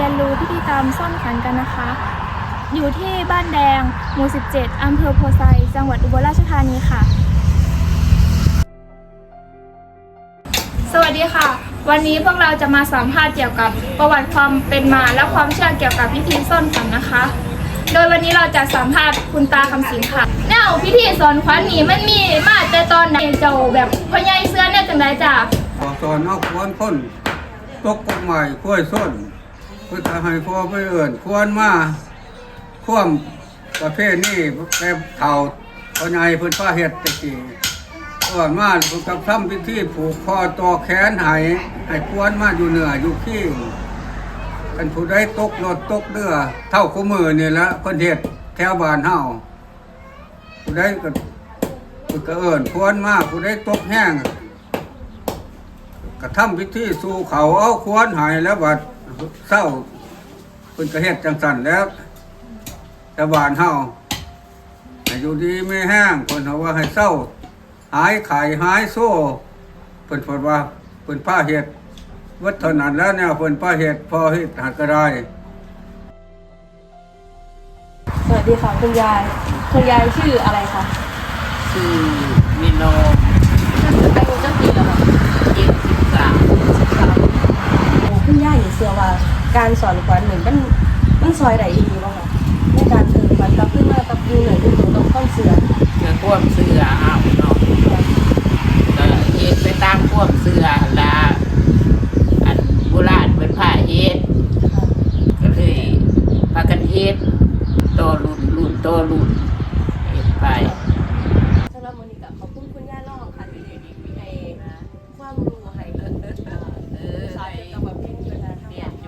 นรู้พิธีกรรมซ่อนขวัญกันนะคะ อยู่ที่บ้านแดงหมู่ 17 อำเภอโพไซจังหวัดอุบลราชธานีค่ะ สวัสดีค่ะ วันนี้พวกเราจะมาสัมภาษณ์เกี่ยวกับประวัติความเป็นมาและความเชื่อเกี่ยวกับพิธีซ่อนขวัญนะคะ โดยวันนี้เราจะสัมภาษณ์คุณตาคำสิงค่ะแนวพิธีซ่อนขวัญนี่มันมีมาแต่ตอนไหนเจ้าแบบพ่อใหญ่เสื้อเนี่ยจังไดจ้ะพอสอนเอาควรพ้นตกกฎหมายค่อยส้นเพื่อจะให้พ่อไปเอื่นควรมาควมประเภทนี้แกเข่าพ่อใหญ่เพิ่นพาเฮ็ดตะกี้ก่อนมาเพิ่นกับทำพิธีผูกคอต่อแขนให้ควรมาอยู่เหนืออยู่ขี้กันผู้ใดตกรถตกเรือเท่าคู่มือนี่ละเพิ่นเฮ็ดแถวบ้านเฮาผู้ใดก็เอิ้นควรมาผู้ใดตกแห้งกระทำพิธีสู่เขาเอาควรหายแล้วบัดเศร้าเป็นกระเฮ็ดจังสันแล้วชาวบ้านเฮาให้อยู่ดีไม่แห้งคนเขาว่าให้เศร้าหายไข่หายโซ่เพิ่นพูดว่าเพิ่นผ้าเฮ็ดวัดเท่านั้นแล้วเนี่ยเพิ่นผ้าเฮ็ดพอเฮ็ดหักก็ได้สวัสดีค่ะคุณยายชื่ออะไรคะชื่อมิโนอายุเจ้าปีแล้วค่ะ 73 คุณยายเชื่อว่าการสอนขวัญหนึ่งมันซอยใดดีบ้างคะในการเติมขวัญกับขึ้นมากับยูหน่อยที่ต้องข้อเสือเชื่อควบเสือเอาเนาะก็เฮ็ดไปตามควบเสือละอันโบราณเป็นผ้าเฮ็ดก็เลยพากันเฮ็ดโตรุ่นเฮ็ดไปสำหรับวันนี้ก็ขอบคุณคุณย่าล่องค่ะที่ให้ความรู้ให้สายกับแบบพิมพ์อยู่นะทั้งหมด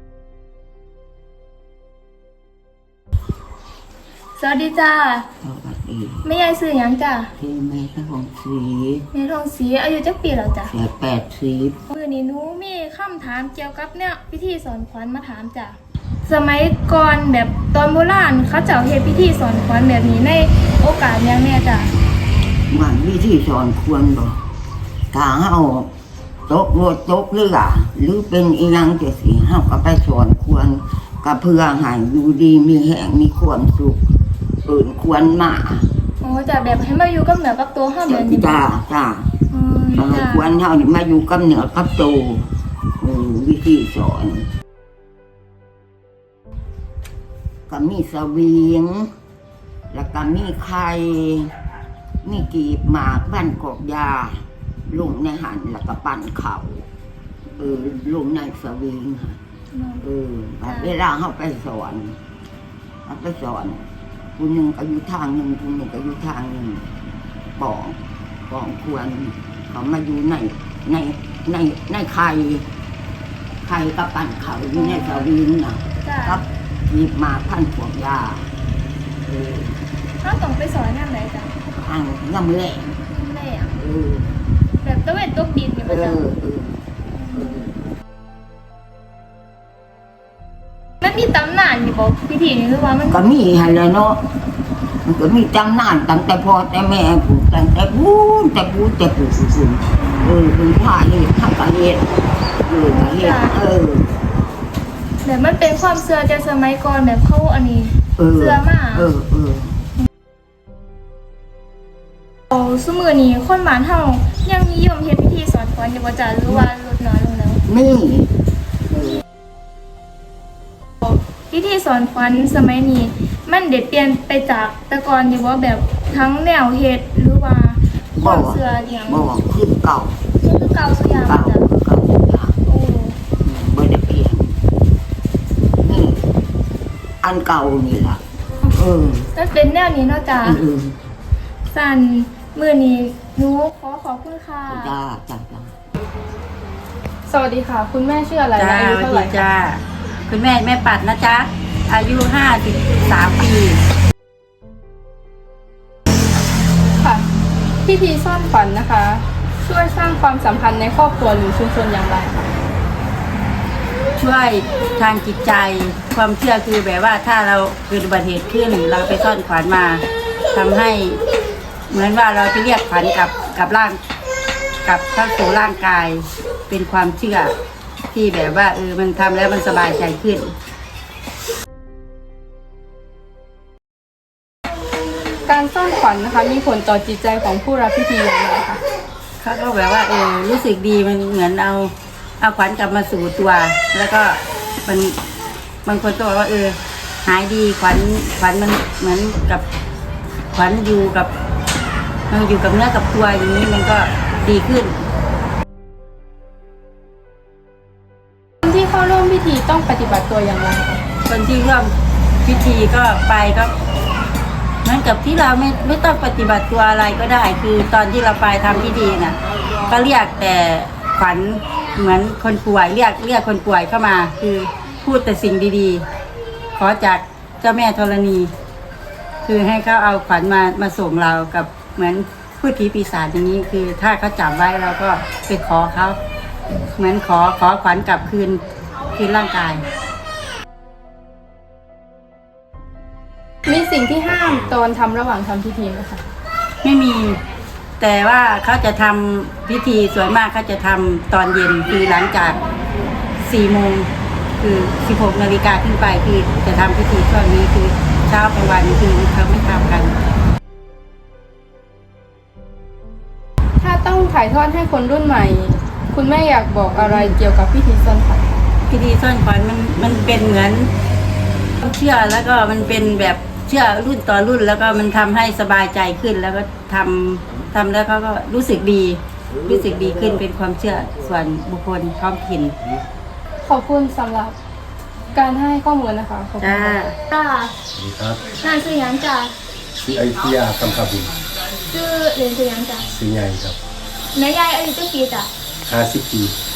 สวัสดีจ้าแม่ยายซื้อหยังจ้ะที่แม่ทองศรีแม่ทองศรีอายุจักปีแล้วจ้ะ 80 มื้อนี้หนูมีคำถามเกี่ยวกับเนี่ยพิธีสอนขวัญมาถามจ้ะสมัยก่อนแบบตอนโบราณเขาเจ้าเฮ็ดพิธีสอนขวัญแบบนี้ในโอกาสหยังแน่จ้ะมันวิธีสอนควรบ่ถ้าเฮาตกรถตกเรือหรือเป็นอีหยังจังซี่เฮาก็ไปสอนควรก็เพื่อให้อยู่ดีมีแรงมีความสุขควรมาอ๋อจ้ะแบบให้มาอยู่กับเหนือกับตัวเฮาแบบนี้จ้าจ้ะควรเฮานี่มาอยู่กับเหนือกับตัววิธีสอนก็มีสวิงแล้วก็มีไข่มีกีบหมากบ้านกอกยาลงในหันแล้วก็ปั่นเข่าลงในสวิงเวลาเขาไปสอนผู้หนึ่งก็อยู่ทางหนึ่งผู้หนึ่งก็อยู่ทางหนึ่งปองควรเขามาอยู่ในไข่กับปั่นเข่าอยู่ในสวิงนะกับหยิบมาพันพวกยาถ้าต้องไปสอนนั่นไหนจ้ะน้ำแร่แบบตะเวนตกดินอยู่ป่ะจ๊ะมันมีตำนานอยู่ป่ะพิธีนี้หรือว่ามันก็มีอะไรเนาะมันก็มีตำนานตั้งแต่พ่อแต่แม่ปู่ตั้งแต่ปู่เป็นผ้าเฮ็ดทำกะเฮ็ดแบบมันเป็นความเชื่อแต่สมัยก่อนแบบเขาอันนี้เชื่อมากสมือนี้คนบ้านเฮายังนิยมเฮ็ดพิธีสอนขวัญอยู่บ่จ้ะหรือว่าลดน้อยลงแล้วพิธีสอนขวัญสมัยนี้มันได้เปลี่ยนไปจากแต่ก่อนอยู่บ่แบบทั้งแนวเฮ็ดหรือว่าความเชื่ออย่างบ่คือเก่าสุอย่างจ้ะบ่ได้เปลี่ยนนี่อันเก่านี่ล่ะมันเป็นแนวนี้เนาะจ้ะสั่นมื้อนี้หนูขอบคุณค่ะจ้าสวัสดีค่ะคุณแม่ชื่ออะไรอายุเท่าไหร่จ้าคุณแม่ปัดนะจ๊ะอายุ53 ปีค่ะพิธีซ่อนขวัญนะคะช่วยสร้างความสัมพันธ์ในครอบครัวหรือชุมชนอย่างไรคะช่วยทางจิตใจความเชื่อคือแบบว่าถ้าเราเกิดอุบัติเหตุขึ้นเราไปซ่อนขวัญมาทำให้เหมือนว่าเราไปเรียกขวัญกับร่างกับเข้าสู่ร่างกายเป็นความเชื่อที่แบบว่ามันทำแล้วมันสบายใจขึ้นการซ่อนขวัญนะคะมีผลต่อจิตใจของผู้รับพิธีอย่างไรคะเขาก็แบบว่ารู้สึกดีมันเหมือนเอาขวัญกลับมาสู่ตัว แล้วก็มันบางคนก็บอกว่าหายดีขวัญมันเหมือนกับขวัญอยู่กับเนื้อกับตัวอย่างนี้มันก็ดีขึ้นคนที่เข้าร่วมพิธีต้องปฏิบัติตัวอย่างไรคะคนที่ร่วมพิธีก็ไปก็เหมือนกับที่เราไม่ต้องปฏิบัติตัวอะไรก็ได้ คือตอนที่เราไปทำพิธีน่ะก็เรียกแต่ขวัญเหมือนคนป่วยเรียกคนป่วยเข้ามา คือพูดแต่สิ่งดีๆขอจากเจ้าแม่ธรณี คือให้เขาเอาขวัญมาส่งเรากับเหมือนพูดผีปีศาจอย่างนี้ คือถ้าเขาจับไว้เราก็ไปขอเขาเหมือนขอขวัญกลับคืนร่างกายมีสิ่งที่ห้ามตอนทำระหว่างทำพิธีไหมคะไม่มี แต่ว่าเขาจะทำพิธีส่วนมากเขาจะทำตอนเย็นคือหลังจาก4 โมงคือ16 นาฬิกาขึ้นไปคือจะทำพิธีช่วงนี้คือเช้ากลางวันคือเขาไม่ทำกันถ้าต้องถ่ายทอดให้คนรุ่นใหม่ คุณแม่อยากบอกอะไรเกี่ยวกับพิธีซ่อนขวัญพิธีซ่อนขวัญมันเป็นเหมือนความเชื่อแล้วก็มันเป็นแบบเชื่อรุ่นต่อรุ่นแล้วก็มันทำให้สบายใจขึ้นแล้วก็ทำแล้วเขาก็รู้สึกดีขึ้นเป็นความเชื่อส่วนบุคคลท้องถิ่นขอบคุณสำหรับการให้ข้อมูลนะคะขอบคุณจ้าค่ะสวัสดีครับนานซื้อยังจ้ะชื่ออยุธยาคำคาบินซื้อเรียนซื้อยังจ้ะซื้อใหญ่ครับแม่ยายอายุเจ้าปีจ้ะ 50 ปี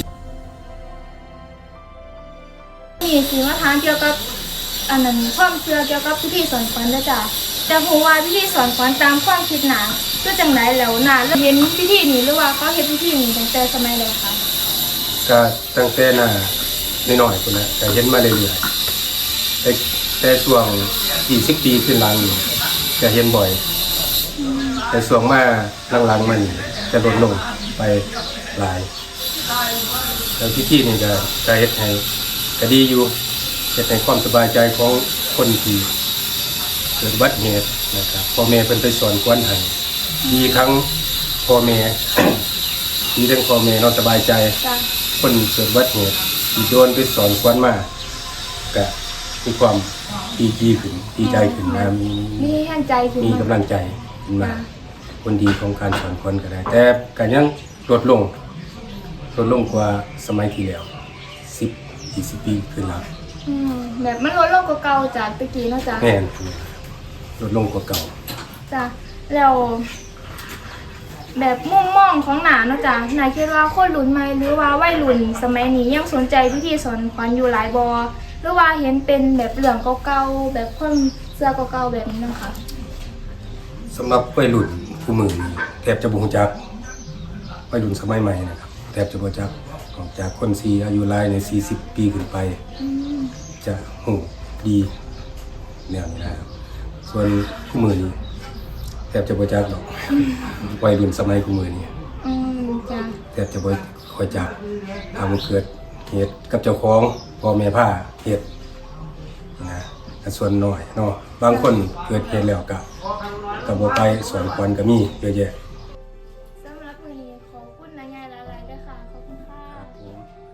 มีสีมาทานเกี่ยวกับอันนั้นความเชื่อเกี่ยวกับพิธีสอนขวัญด้วยจ้ะแต่ผมว่าพิธีสอนขวัญตามความคิดหนาก็จังไหนแล้วหนาเห็นพิธีนี้หรือว่าเขาเห็นพิธีนี้ตั้งแต่สมัยใดคะก็ตั้งแต่หน้าน้อยๆคนนะแต่เห็นมาเรื่อยๆแต่ช่วง20 ปีขึ้นหลังนี่จะเห็นบ่อย แต่ช่วงมาหลังๆมันจะลดลงไปหลายแล้วพิธีนี่ก็เฮ็ดให้ก็ดีอยู่เฮ็ดให้ความสบายใจของคนที่เกิดอุบัติเหตุนะครับพ่อแม่เพิ่นไปสอนขวัญให้ดีทั้งพ่อแม่ ดีทั้งพ่อแม่เราสบายใจจ้ะคนเกิดอุบัติเหตุที่โดนไปสอนขวัญมาก็มีความดีขึ้นดีใจขึ้นนะมีมีแห่งใจขึ้นมีมากำลังใจขึ้นมาคนดีของการสอนขวัญก็ได้ แต่ก็ยังลดลงกว่าสมัยที่แล้ว10-20 ปีขึ้นแล้วแบบมันลดลงกว่าเก่าจากตะกี้เนาะจ้ะแม่นลดลงกว่าเก่าจ้ะแล้วแบบมุมมองของหนาเนาะจ้ะนายคิดว่าคนรุ่นใหม่หรือว่าวัยรุ่นสมัยนี้ยังสนใจพิธีสอนขวัญอยู่หลายบอหรือว่าเห็นเป็นแบบเรื่องเก่าๆแบบคนเสื้อเก่าๆแบบนี้นะคะสำหรับวัยรุ่นผู้มือนี้แทบจะบ่รู้จักวัยรุ่นสมัยใหม่นะครับแทบจะบ่รู้จักออกจากคนที่อายุหลายใน40 ปีขึ้นไป จะหูดีแนวนี้นะครับส่วนผู้มือนี้แทบจะบ่จักดอกวัยรุ่นสมัยผู้มือนี้จ้ะแทบจะบ่ค่อยจักทำเกิดเหตุกับเจ้าของพ่อแม่พาเหตุนะแต่ส่วนน้อยเนาะบางคนเกิดเหตุแล้วก็บ่ไปสอนขวัญก็มีเยอะแยะสำหรับวันนี้ขอบคุณนายใหญ่หลายๆด้วยค่ะขอบคุณค่ะครับผม